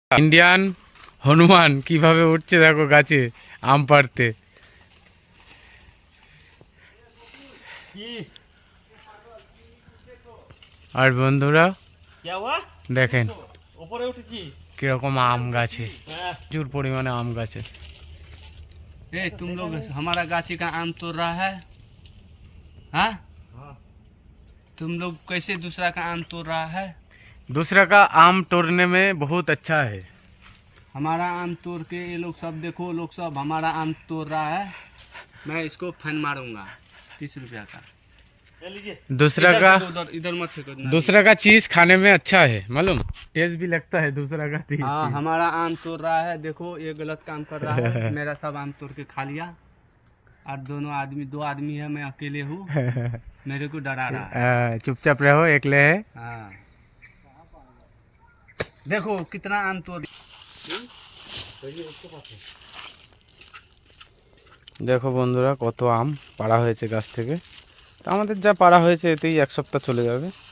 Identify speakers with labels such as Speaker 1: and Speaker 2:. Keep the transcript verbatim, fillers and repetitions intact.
Speaker 1: Indian Hanuman কিভাবে উঠছে দেখো গাছে আম পাড়তে। আর বন্ধুরা দেখেন কিরকম আম গাছে, প্রচুর পরিমাণে আম গাছে।
Speaker 2: ए तुम लोग हमारा गाछी का आम तोड़ रहा है? हाँ, तुम लोग कैसे दूसरा का आम तोड़ रहा है?
Speaker 1: दूसरा का आम तोड़ने में बहुत अच्छा है।
Speaker 2: हमारा आम तोड़ के ये लोग सब देखो, लोग सब हमारा आम तोड़ रहा है। मैं इसको फन मारूंगा तीस रुपया का।
Speaker 1: दूसरा का
Speaker 2: उधर इधर मत फेंको।
Speaker 1: दूसरा का चीज खाने में अच्छा है, मालूम टेस्ट भी लगता है दूसरा का चीज।
Speaker 2: हाँ, हमारा आम तोड़ रहा है, देखो ये गलत काम कर रहा है। मेरा सब आम तोड़ के खा लिया और दोनों आदमी दो आदमी है, मैं अकेले हूँ, मेरे को डरा रहा है।
Speaker 1: चुपचाप रहो, एकले है।
Speaker 2: हाँ, देखो कितना आम तोड़।
Speaker 1: দেখো বন্ধুরা কত আম পাড়া হয়েছে গাছ থেকে। তো আমাদের যা পাড়া হয়েছে এতেই এক সপ্তাহ চলে যাবে।